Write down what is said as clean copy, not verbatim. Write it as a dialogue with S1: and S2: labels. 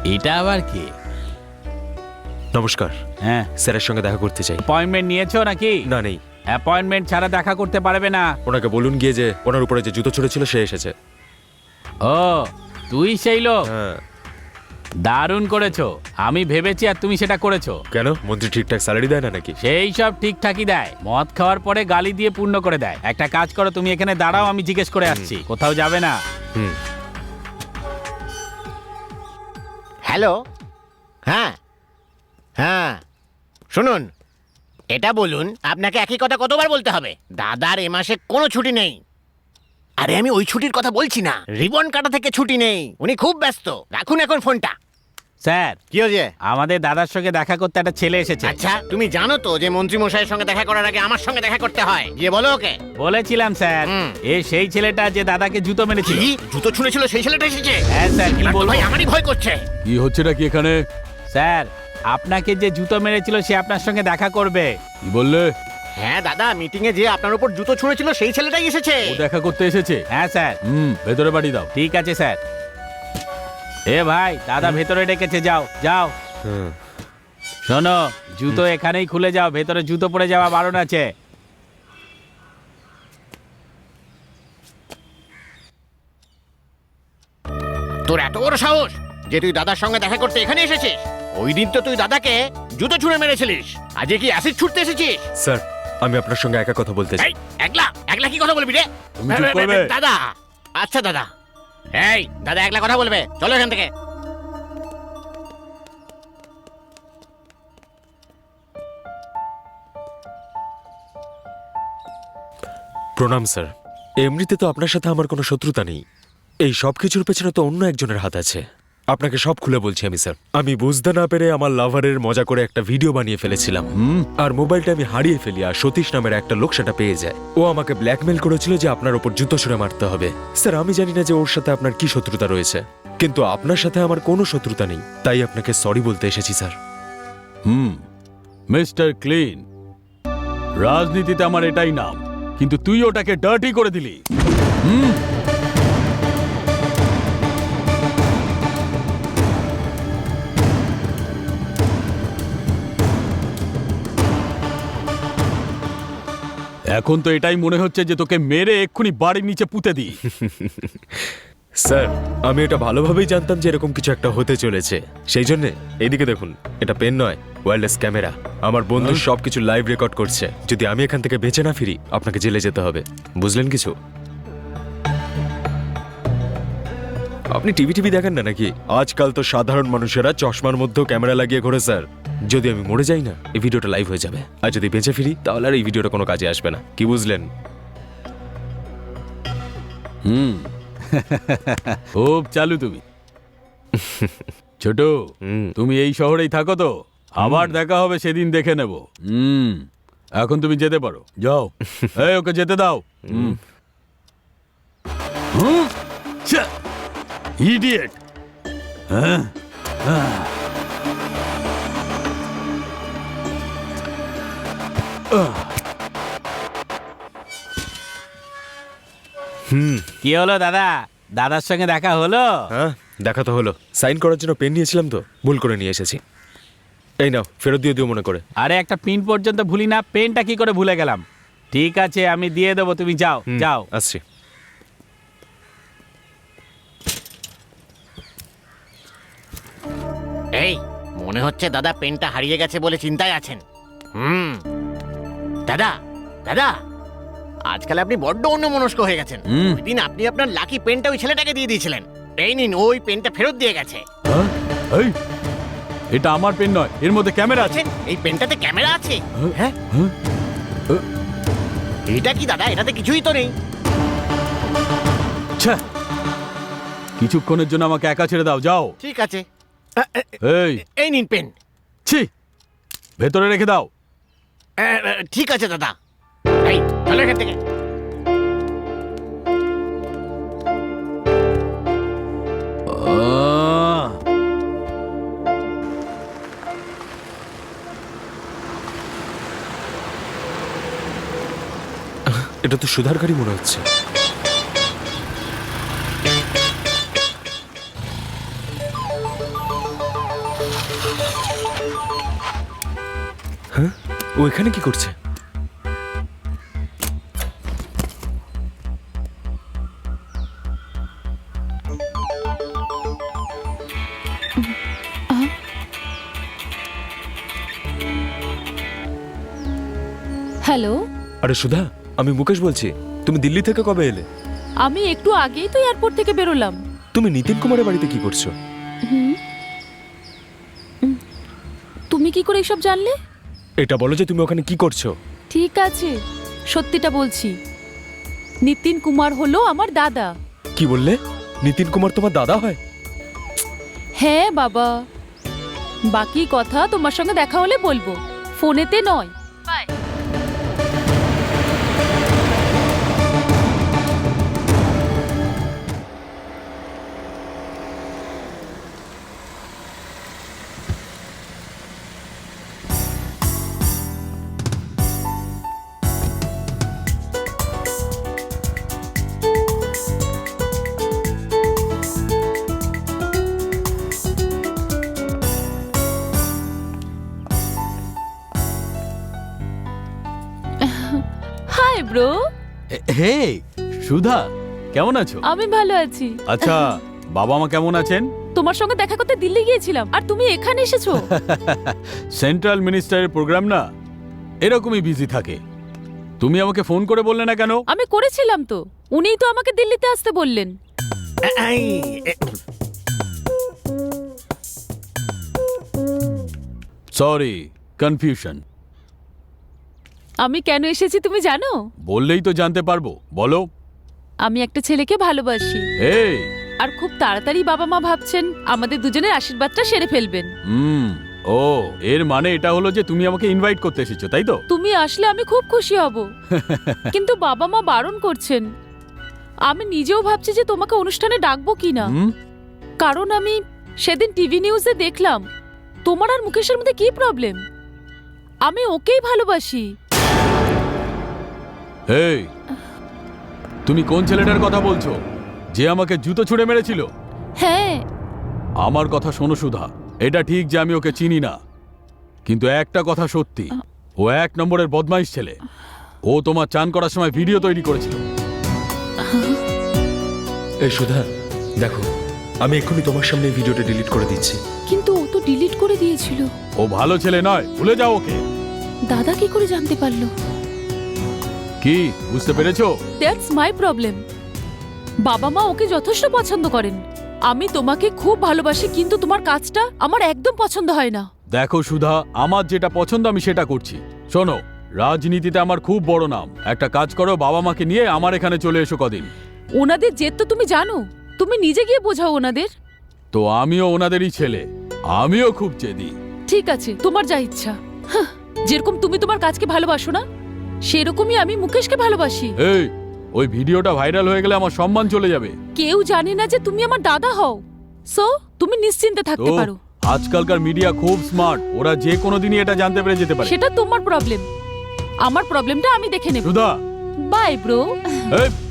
S1: এটা আবার কি?
S2: নমস্কার।
S1: হ্যাঁ,
S2: স্যারের সঙ্গে দেখা করতে চাই।
S1: অ্যাপয়েন্টমেন্ট নিয়েছো নাকি?
S2: না, নেই।
S1: অ্যাপয়েন্টমেন্ট ছাড়া দেখা করতে পারবে না।
S2: ওনাকে বলুন গিয়ে যে ওনার উপরে যে জুতো ছুঁড়েছিল সে এসেছে।
S1: ও, তুই সেই লোক?
S2: হ্যাঁ।
S1: দারুণ করেছো। আমি ভেবেছি আর তুমি সেটা করেছো।
S2: কেন, মন্ত্রী ঠিকঠাক স্যালারি দেয় না নাকি?
S1: সেই সব ঠিকঠাকই দেয়, মদ খাওয়ার পরে গালি দিয়ে পূর্ণ করে দেয়। একটা কাজ করো, তুমি এখানে দাঁড়াও, আমি জিজ্ঞেস করে আসছি। কোথাও যাবে না।
S2: হুম।
S3: হ্যালো। হ্যাঁ হ্যাঁ, শুনুন, এটা বলুন, আপনাকে একই কথা কতবার বলতে হবে? দাদার এ মাসে কোনো ছুটি নেই। আরে আমি ওই ছুটির কথা বলছি না, রিবন কাটা থেকে ছুটি নেই। উনি খুব ব্যস্ত। রাখুন এখন ফোনটা।
S1: স্যার,
S3: কি হয়েছে?
S1: আমাদের দাদার সঙ্গে দেখা করতে একটা ছেলে এসেছে।
S3: আচ্ছা, তুমি জানো তো যে মন্ত্রী মশাইয়ের সঙ্গে দেখা করার আগে আমার সঙ্গে দেখা করতে হয়। গিয়ে বলো ওকে।
S1: বলেছিলাম স্যার।
S3: হুম।
S1: এ সেই ছেলেটা যে দাদাকে জুতো মেরেছিল।
S3: কি জুতো ছুঁড়েছিল সেই ছেলেটা এসেছে?
S1: হ্যাঁ স্যার, কি
S3: এবার তো
S1: বলবো?
S3: ভাই আমারই ভয় করছে।
S1: কি হচ্ছে নাকি এখানে? স্যার, আপনাকে যে জুতো মেরেছিল সে আপনার সঙ্গে দেখা করবে। কি বললে?
S3: হ্যাঁ দাদা, মিটিং এ যে আপনার উপর জুতো ছুঁড়েছিল সেই ছেলেটাই এসেছে।
S1: দেখা করতে এসেছে? হ্যাঁ স্যার। ভেতরে পাঠিয়ে দাও। ঠিক আছে স্যার। এ ভাই, দাদা ভেতরে ডেকেছে, যাও যাও।
S2: হুম।
S1: শোনো, জুতো এখানেই খুলে যাও, ভেতরে জুতো পরে যাওয়া বারণ আছে।
S3: তোর এত বড় সাহস যে তুই দাদার সঙ্গে দেখা করতে এখানে এসেছিস? ওই দিন তো তুই দাদাকে জুতো ছুঁড়ে মেরেছিলিস, আজকে কি অ্যাসিড ছুটতে এসেছিস?
S2: স্যার, আমি আপনার সঙ্গে একা কথা বলতে চাই।
S3: এই, একলা একলা কি কথা বলবি রে?
S1: তুমি চুপ করবে?
S3: দাদা, আচ্ছা দাদা। এই দাদা একলা কথা বলবে, চলো এখান থেকে।
S2: প্রণাম স্যার। এমনিতে তো আপনার সাথে আমার কোনো শত্রুতা নেই। এই সব কিছুর পেছনে তো অন্য একজনের হাত আছে। আপনাকে সব খুলে বলছি আমি স্যার। আমি বুঝতে না পেরে আমার লাভারের মজা করে একটা ভিডিও বানিয়ে ফেলেছিলাম। আর মোবাইলটা আমি হারিয়ে ফেলি, আর সতীশ নামের একটা লোক সেটা পেয়ে যায়। ও আমাকে ব্ল্যাকমেল করেছিল যে আপনার উপর জুতো ছুঁড়ে মারতে হবে। স্যার, আমি জানি না যে ওর সাথে আপনার কি শত্রুতা রয়েছে, কিন্তু আপনার সাথে আমার কোনো শত্রুতা নেই, তাই আপনাকে সরি বলতে এসেছি স্যার।
S1: মিস্টার ক্লিন, রাজনীতিতে আমার এটাই নাম, কিন্তু তুই ওটাকে ডার্টি করে দিলি। এখন তো এটাই মনে হচ্ছে যে তোকে মেরে এক্ষুনি বাড়ির নিচে পুঁতে দিই।
S2: স্যার, আমি এটা ভালোভাবেই জানতাম যে এরকম কিছু একটা হতে চলেছে, সেই জন্য এইদিকে দেখুন, এটা পেন নয়, ওয়্যারলেস ক্যামেরা। আমার বন্ধু সবকিছু লাইভ রেকর্ড করছে। যদি আমি এখান থেকে বেঁচে না ফিরি, আপনাকে জেলে যেতে হবে, বুঝলেন কিছু? আপনি টিভি দেখেন না নাকি? আজকাল তো সাধারণ মানুষেরা চশমার মধ্যেও ক্যামেরা লাগিয়ে ঘোরে স্যার। যদি আমি মরে যাই না, এই ভিডিওটা লাইভ হয়ে যাবে, আর যদি বেঁচে ফিরি তাহলে আর এই ভিডিওটা কোনো কাজে আসবে না, কি বুঝলেন?
S1: খুব চালু তুমি। ছোট, তুমি এই শহরেই থাকো তো? আবার দেখা হবে সেদিন, দেখে নেব। এখন তুমি যেতে পারো, যাও। এই, ওকে যেতে দাও। ইডিয়েট। কি হলো দাদা? দাদার সঙ্গে দেখা হলো?
S2: হ্যাঁ, দেখা তো হলো। সাইন করার জন্য পেন নিয়েছিলাম তো ভুল করে নিয়ে এসেছি। এই নাও, ফেরত দিয়ে দিও মনে করে।
S1: আরে, একটা পিন পর্যন্ত ভুলি না, পেনটা কি করে ভুলে গেলাম? ঠিক আছে, আমি দিয়ে দেবো, তুমি যাও যাও।
S2: আসছি।
S3: এই, মনে হচ্ছে দাদা পেনটা হারিয়ে গেছে বলে চিন্তায় আছেন। দাদা দাদা, আজকাল আপনি বড্ড অন্যমনস্ক হয়ে গেছেন। ওই দিন আপনি আপনার লাকি পেনটা ওই ছেলেটাকে দিয়ে দিয়েছিলেন। এই নিন, ওই পেনটা ফেরত দিয়ে গেছে।
S1: এই, এটা আমার পেন নয়, এর মধ্যে ক্যামেরা আছে।
S3: আছেন, এই পেনটাতে ক্যামেরা আছে? হ্যাঁ, এটা কি দাদা? এটাতে কিছুই তো নেই।
S1: ছ্যা, কিছুক্ষণের জন্য আমাকে একা ছেড়ে দাও, যাও।
S3: ঠিক আছে।
S1: এই,
S3: এই নিন পেন।
S1: ছি, ভেতরে রেখে দাও।
S3: ঠিক আছে দাদা। এই, চলো এখান থেকে।
S2: এটা তো সুধার গাড়ি মনে হচ্ছে। ও এখানে কি করছে?
S4: হ্যালো,
S2: আরে সুধা, আমি মুকেশ বলছি। তুমি দিল্লি থেকে কবে এলে?
S4: আমি একটু আগেই তো এয়ারপোর্ট থেকে বেরোলাম।
S2: তুমি নিতিন কুমারের বাড়িতে কি করছো?
S4: তুমি কি করে এসব জানলে?
S2: এটা বলো যে তুমি ওখানে কি করছো।
S4: ঠিক আছে, সত্যিটা বলছি। নিতিন কুমার হলো আমার দাদা।
S2: কি বললে? নিতিন কুমার তোমার দাদা হয়?
S4: হ্যাঁ বাবা, বাকি কথা তোমার সঙ্গে দেখা হলে বলবো, ফোনেতে নয়। বাই। Hi bro.
S1: হে সুধা, কেমন আছো?
S4: আমি ভালো আছি।
S1: আচ্ছা, বাবা মা কেমন আছেন?
S4: তোমার সঙ্গে দেখা করতে দিল্লি গিয়েছিলাম, আর তুমি এখানে এসেছো।
S1: সেন্ট্রাল মিনিস্টারের প্রোগ্রাম না, এরকমই বিজি থাকে। তুমি আমাকে ফোন করে বললে না কেন?
S4: আমি করেছিলাম তো, উনিই তো আমাকে দিল্লিতে আসতে বললেন।
S3: এই,
S1: সরি, কনফিউশন।
S4: আমি কেন এসেছি তুমি জানো?
S1: বললেই তো জানতে পারবো, বলো।
S4: আমি একটা ছেলেকে ভালোবাসি,
S1: এই
S4: আর খুব তাড়াতাড়ি বাবা মা ভাবছেন আমাদের দুজনের আশীর্বাদটা সেরে ফেলবেন।
S1: ও, এর মানে এটা হলো যে তুমি আমাকে ইনভাইট করতে এসেছো, তাই তো?
S4: তুমি আসলে আমি খুব খুশি হব, কিন্তু বাবা মা বারণ করছেন। আমি নিজেও ভাবছি যে তোমাকে অনুষ্ঠানে ডাকবো কিনা,
S1: হুম?
S4: কারণ আমি সেদিন টিভি নিউজে দেখলাম তোমার আর মুকেশের মধ্যে কি প্রবলেম। আমি ওকেই ভালোবাসি।
S1: এই, তুমি কোন ছেলেটার কথা বলছো যে আমাকে জুতো ছুঁড়ে মেরেছিল?
S4: হ্যাঁ,
S1: আমার কথা শোনো সুধা, এটা ঠিক যে আমি ওকে চিনি না, কিন্তু একটা কথা সত্যি, ও 1 নম্বরের বদমাইশ ছেলে। ও তোমার চান করার সময় ভিডিও তৈরি করেছিল।
S2: এই সুধা, দেখো, আমি এক্ষুনি তোমার সামনে এই ভিডিওটা ডিলিট করে দিচ্ছি।
S4: কিন্তু ও তো ডিলিট করে দিয়েছিল।
S1: ও ভালো ছেলে নয়, ভুলে যাও ওকে।
S4: দাদা কি করে জানতে পারলো?
S1: কি বুঝতে পেরেছো?
S4: That's my problem. বাবা মা ওকে যথেষ্ট পছন্দ করেন। আমি তোমাকে খুব ভালোবাসি, কিন্তু তোমার কাজটা আমার একদম পছন্দ হয় না।
S1: দেখো সুধা, আমার যেটা পছন্দ আমি সেটা করছি। শোনো, রাজনীতিতে আমার খুব বড় নাম। একটা কাজ করো, বাবা মাকে নিয়ে আমার এখানে চলে এসো কদিন।
S4: ওনাদের জেদ তো তুমি জানো, তুমি নিজে গিয়ে বোঝাও ওনাদের।
S1: তো আমিও ওনাদেরই ছেলে, আমিও খুব জেদি।
S4: ঠিক আছে, তোমার যা ইচ্ছা। হাহ, যেরকম তুমি তোমার কাজকে ভালোবাসো না, সেরকমই আমি মুকেশকে ভালোবাসি।
S1: এই, ওই ভিডিওটা ভাইরাল হয়ে গেলে আমার সম্মান চলে যাবে।
S4: কেউ জানে না যে তুমি আমার দাদা হও, সো তুমি নিশ্চিন্তে থাকতে
S1: তো
S4: পারো।
S1: আজকালকার মিডিয়া খুব স্মার্ট, ওরা যে কোনো দিনই এটা জানতে পেরে যেতে পারে।
S4: সেটা তোমার প্রবলেম, আমার প্রবলেমটা আমি দেখে নেব।
S1: Sudha,
S4: bye bro.
S1: এই